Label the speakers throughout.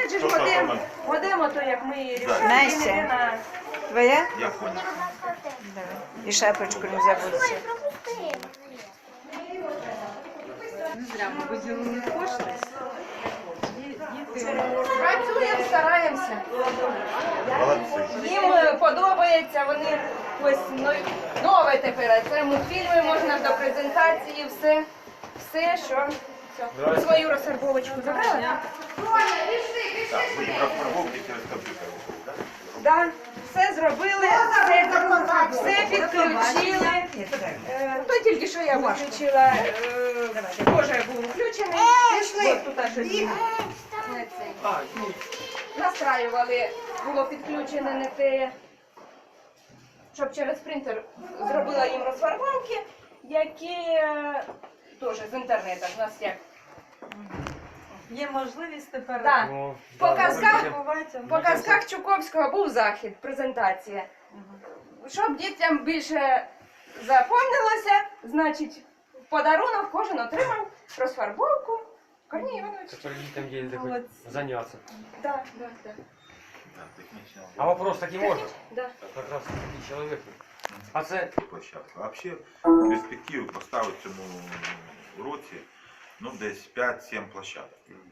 Speaker 1: Опять же, модем, то як ми рішаємо,
Speaker 2: Настя.
Speaker 1: йде на...
Speaker 2: Твоя?
Speaker 3: Я понял.
Speaker 2: Давай. І шапочку не забудьте.
Speaker 4: Не зря ми виділили кошти.
Speaker 1: Працюємо, стараємося.
Speaker 3: Молодці.
Speaker 1: Їм подобається, вони ось нове тепер. Це мультфільми, можна до презентації, все, що... Все. Свою розфарбовочку забрали?
Speaker 3: Так, ви їм розфарбовки через комп'ютер, так?
Speaker 1: Так, все зробили, все підключили. То тільки що я виключила, теж був включений. Пішли. Тут аж настраювали, було підключене не те, щоб через принтер зробила їм розфарбовки, які теж з інтернету. У нас як.
Speaker 4: Є можливість тепер.
Speaker 1: Так. По казках
Speaker 4: казках
Speaker 1: Чуковського був захід, презентація. Щоб дітям більше запомнилося, значить, в подарунок кожен отримав розфарбовку. Корній Іванович.
Speaker 5: Который дітям є
Speaker 4: Молодці.
Speaker 5: заняться.
Speaker 1: Так.
Speaker 3: Так, технічно.
Speaker 5: А вопрос такий можна?
Speaker 1: Да.
Speaker 5: Как раз такий чоловік. А це
Speaker 3: Площадку. А взагалі, в перспективі поставити цьому році, ну, десь 5-7 площадок.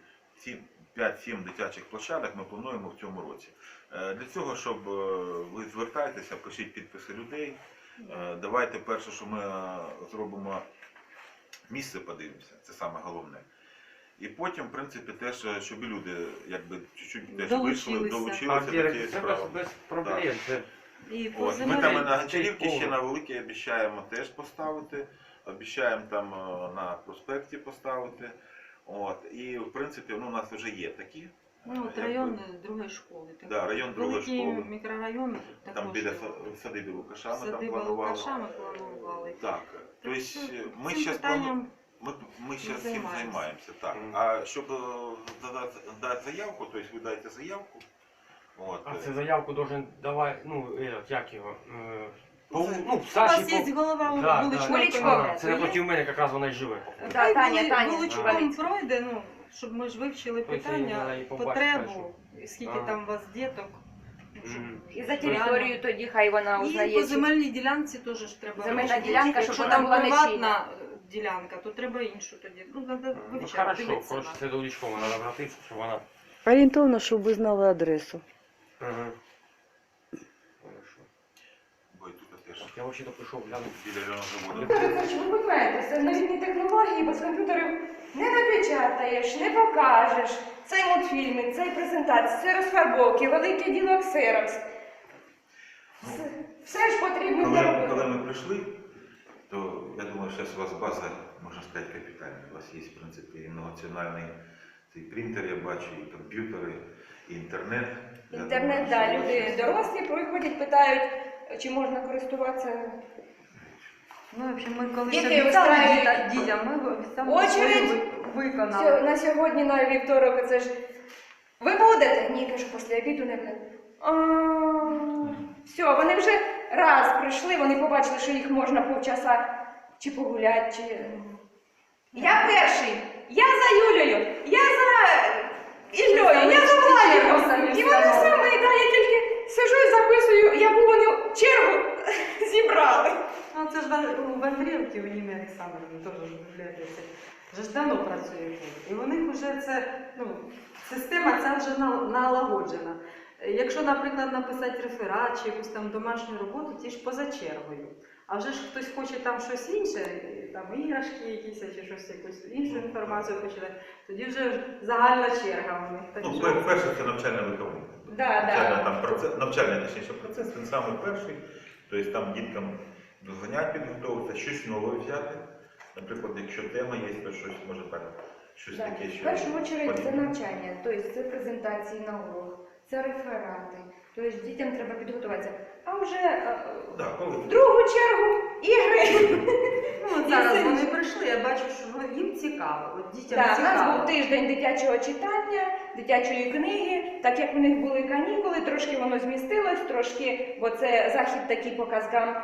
Speaker 3: 5-7 дитячих площадок ми плануємо в цьому році. Для цього, щоб ви звертайтеся, пишіть підписи людей. Давайте перше, що ми зробимо, місце подивимося, це саме головне. І потім, в принципі, теж, щоб і люди якби чуть-чуть теж вийшли, долучилися до цієї
Speaker 5: це
Speaker 3: справи.
Speaker 5: без проблем. Це
Speaker 4: І по
Speaker 3: От, ми там і на Гончарівці
Speaker 5: Цей
Speaker 3: ще на Великій обіцяємо теж поставити, обіцяємо там на проспекті поставити. От, і в принципі, ну, у нас вже є такі.
Speaker 4: Ну, от район другої школи.
Speaker 3: Да, район другої
Speaker 4: Великий
Speaker 3: школи.
Speaker 4: мікрорайон
Speaker 3: Там
Speaker 4: також.
Speaker 3: біля садиби Лукаша ми там
Speaker 4: Садиба
Speaker 3: планували.
Speaker 4: Лукаша ми планували.
Speaker 3: Так, тобто ми
Speaker 4: Цим
Speaker 3: зараз
Speaker 4: питанням
Speaker 3: ми зараз цим
Speaker 4: займаємося.
Speaker 3: займаємося. Так.
Speaker 5: Мгм.
Speaker 3: А щоб дати заявку, тобто ви даєте заявку. От,
Speaker 5: А це заявку должен давати, ну, як його,
Speaker 4: у
Speaker 5: Саші
Speaker 4: вас є голова
Speaker 5: Да,
Speaker 4: вуличної
Speaker 1: да.
Speaker 4: комісії.
Speaker 5: Це напроти мене якраз вона й живе.
Speaker 1: Да, Таня.
Speaker 4: Вуличком пройде, ну, щоб ми ж вивчили
Speaker 5: Тобто її
Speaker 4: питання,
Speaker 5: треба і побачити,
Speaker 4: потребу, і скільки
Speaker 5: Ага.
Speaker 4: там у вас діток. Ну, щоб-
Speaker 5: Мгм.
Speaker 1: І за територію тоді хай вона
Speaker 4: І
Speaker 1: узнає.
Speaker 4: по
Speaker 1: чи-
Speaker 4: земельній ділянці теж ж треба.
Speaker 1: Земельна
Speaker 4: вивчити.
Speaker 1: ділянка, щоб
Speaker 4: Якщо
Speaker 1: вона
Speaker 4: там
Speaker 1: була не
Speaker 4: приватна ділянка, то треба іншу тоді. Ну, треба
Speaker 5: Ну,
Speaker 4: вивчати,
Speaker 5: хорошо,
Speaker 4: дивитися.
Speaker 5: коротше, це до Лічкова треба обратитися, щоб вона...
Speaker 2: Орієнтовно, щоб ви знали адресу.
Speaker 5: Ага. Хорошо.
Speaker 3: бо і тут теж
Speaker 5: Я взагалі прийшов глянути.
Speaker 3: біля району заводу.
Speaker 1: Віктор Олександрович, ви розумієте, це новітні технології, без комп'ютерів не напечатаєш, не покажеш. Цей мультфільм, цей презентація, це розфарбовки, велике діло ксерокс. Все ж потрібно для
Speaker 3: Коли
Speaker 1: роботи.
Speaker 3: ми прийшли, то я думаю, зараз у вас база, можна сказати, капітальна. У вас є, в принципі, і многонаціональний цей принтер, я бачу, і комп'ютери, і інтернет. Я
Speaker 1: Інтернет,
Speaker 3: думаю,
Speaker 1: так,
Speaker 3: що у вас
Speaker 1: люди
Speaker 3: є.
Speaker 1: дорослі приходять, питають, чи можна користуватися.
Speaker 4: Ну, в общем, ми коли
Speaker 1: Діти
Speaker 4: обіцяли
Speaker 1: вистраюють.
Speaker 4: дітям, ми обіцяли
Speaker 1: Очередь.
Speaker 4: виконали.
Speaker 1: На сьогодні, на вівторок, це ж. Ви будете? Ні, кажу, після обіду не буде. Все, вони вже раз прийшли, вони побачили, що їх можна півчаса чи погуляти, чи. Я перший, я за Юлею, я за Іллею, я за Владиком. І вони самі, да, я тільки сижу і записую, яку вони чергу зібрали.
Speaker 4: Ну, це ж в Андріївці, у Ніни Олександровні, теж в бібліотеці. Вже ж давно працює тут. І у них вже це, ну, система ця вже налагоджена. Якщо, наприклад, написати реферат чи якусь там домашню роботу, ті ж поза чергою. А вже ж хтось хоче там щось інше, там іграшки якісь, чи щось, якусь іншу інформацію хоче дати, тоді вже загальна черга у них. Так
Speaker 3: Ну,
Speaker 4: що-
Speaker 3: перше це навчально-виховний. Навчальний, точніше, процес, він самий перший. Тобто там діткам до занять підготовитися, щось нове взяти. Наприклад, якщо тема є, то щось може так, щось таке,
Speaker 1: В
Speaker 3: що...
Speaker 1: першу чергу це
Speaker 3: потрібно.
Speaker 1: навчання, тобто це презентації на урок, це реферати, тобто дітям треба підготуватися. А вже
Speaker 3: Да, коли...
Speaker 1: в другу чергу ігри.
Speaker 4: Ну, от зараз вони прийшли, я бачу, що їм цікаво. От дітям
Speaker 1: Так, у нас
Speaker 4: цікаво.
Speaker 1: був тиждень дитячого читання, дитячої книги. Так як у них були канікули, трошки воно змістилось, трошки, бо це захід такий по казкам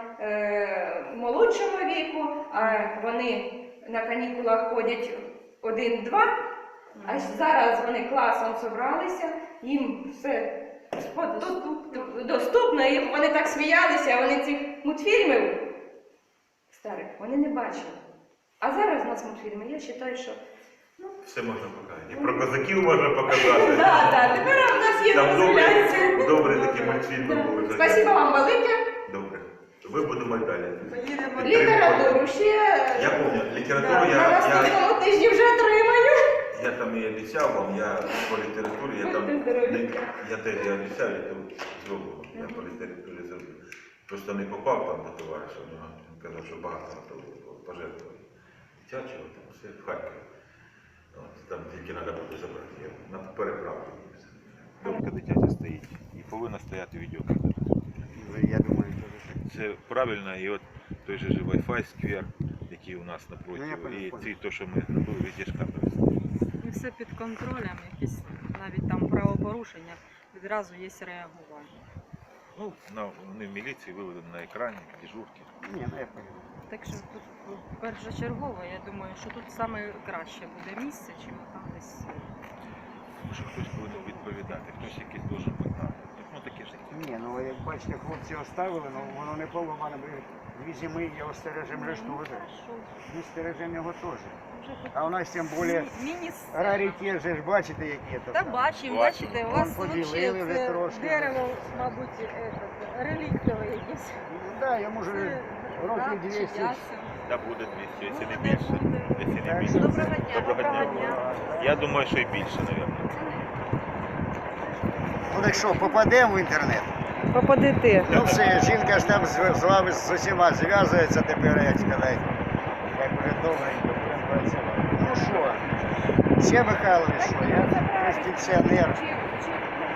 Speaker 1: молодшого віку, а вони на канікулах ходять 1-2 А зараз вони класом зібралися, їм все доступно, і вони так сміялися, вони цих мультфільмів старих вони не бачили. А зараз у нас мультфільми, я вважаю, що
Speaker 3: Все можна показати. І про козаків можна показати.
Speaker 1: так, тепер у нас є
Speaker 3: Там
Speaker 1: розглядається.
Speaker 3: добре такі мультфільми були.
Speaker 1: Спасибо вам велике.
Speaker 3: Добре. Ви будемо й далі.
Speaker 4: Поїдемо.
Speaker 1: Літературу ще
Speaker 3: Я пам'ятаю, літературу
Speaker 1: на наступному тижні вже отримаю.
Speaker 3: я там і обіцяв вам, я по літературі, я там,
Speaker 1: Будьте здорові.
Speaker 3: я теж я обіцяв, я тут зроблю, я по літературі зроблю. Просто не попав там до товариша, він казав, що багато на то пожертвували. Дитячого, там все в Харкові. От, там тільки треба буде забрати, я на переправку. Домка дитяча стоїть і повинна стояти відеокамера.
Speaker 6: Я думаю,
Speaker 3: Це правильно, і от той же Wi-Fi сквер, який у нас
Speaker 6: Ну,
Speaker 3: напроти,
Speaker 6: я понял,
Speaker 3: і
Speaker 6: понял.
Speaker 3: ці, то, що ми зробили, везде ж камери стоять.
Speaker 7: І все під контролем, якісь навіть там правопорушення, відразу є реагування.
Speaker 3: Ну, вони в міліції виведені на екрані, дежурки.
Speaker 6: Ні, ну я понял.
Speaker 7: Так що тут першочергово, я думаю, що тут саме краще буде місце, чим там десь.
Speaker 3: Тому що хтось повинен відповідати, хтось якийсь должен бути там. Ну таке ж.
Speaker 6: Ні, ну як бачите, хлопці оставили, ну воно не поламане. Дві зими його стережемо вже
Speaker 7: Ну,
Speaker 6: вже.
Speaker 7: хорошо.
Speaker 6: Ми стережемо його теж.
Speaker 7: Вже хоч
Speaker 6: А у нас тим більше
Speaker 7: міні-сцена.
Speaker 6: раритет, же ж бачите, які це.
Speaker 7: Та бачимо, бачите, у
Speaker 6: Вон
Speaker 7: вас
Speaker 6: поділили
Speaker 7: взагалі
Speaker 6: вже
Speaker 7: це
Speaker 6: трошки.
Speaker 7: дерево, мабуть, реліктове якесь.
Speaker 6: Ну так, йому вже років 200.
Speaker 3: Та буде 200, якщо не
Speaker 7: Буде,
Speaker 3: більше.
Speaker 7: буде.
Speaker 3: Якщо не
Speaker 6: Так
Speaker 3: більше.
Speaker 6: що
Speaker 7: Доброго дня.
Speaker 3: Доброго дня. Я думаю, що і більше, мабуть.
Speaker 6: Ну так що, попадемо в інтернет?
Speaker 2: Попадете.
Speaker 6: Ну все, жінка ж там з вами з усіма зв'язується тепер, як сказати. Як вже добренько будемо працювати. Ну що, ще Михайлович, що я пенсіонер.